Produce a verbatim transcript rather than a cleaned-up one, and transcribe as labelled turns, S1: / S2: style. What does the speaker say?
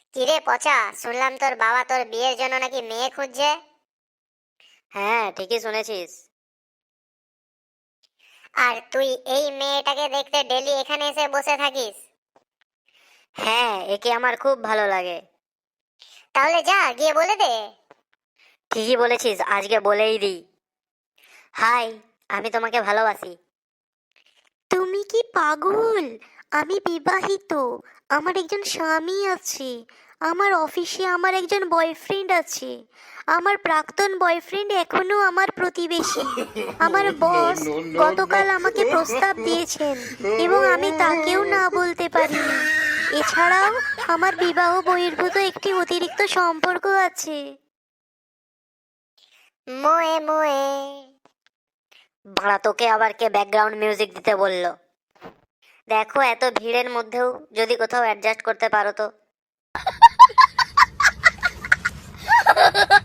S1: কিরে পচা, শুনলাম তোর বাবা তোর বিয়ের জন্য নাকি মেয়ে খুঁজছে।
S2: হ্যাঁ, ঠিকই শুনেছিস।
S1: আর তুই এই মেয়েটাকে দেখতে ডেলি এখানে এসে বসে থাকিস?
S2: হ্যাঁ, একে আমার খুব ভালো লাগে।
S1: তাহলে যা গিয়ে বলে দে।
S2: ঠিকই বলেছিস, আজকে বলেই দিই। হাই, আমি তোমাকে ভালোবাসি।
S3: তুমি কি পাগল? আমি বিবাহিত। আমার একজন স্বামী আছে। আমার অফিসে আমার একজন বয়ফ্রেন্ড আছে। আমার প্রাক্তন বয়ফ্রেন্ড এখনো আমার প্রতিবেশী। আমার বস গতকাল আমাকে প্রস্তাব দিয়েছেন এবং আমি তাকেও না বলতে পারিনি। এছাড়াও আমার বিবাহ বহির্ভূত একটি অতিরিক্ত সম্পর্ক আছে।
S1: মোয়ে মোয়ে।
S2: বাড়া, তোকে আবার কে ব্যাকগ্রাউন্ড মিউজিক দিতে বললো? দেখো, এত ভিড়ের মধ্যেও যদি কোথাও অ্যাডজাস্ট করতে পারো তো।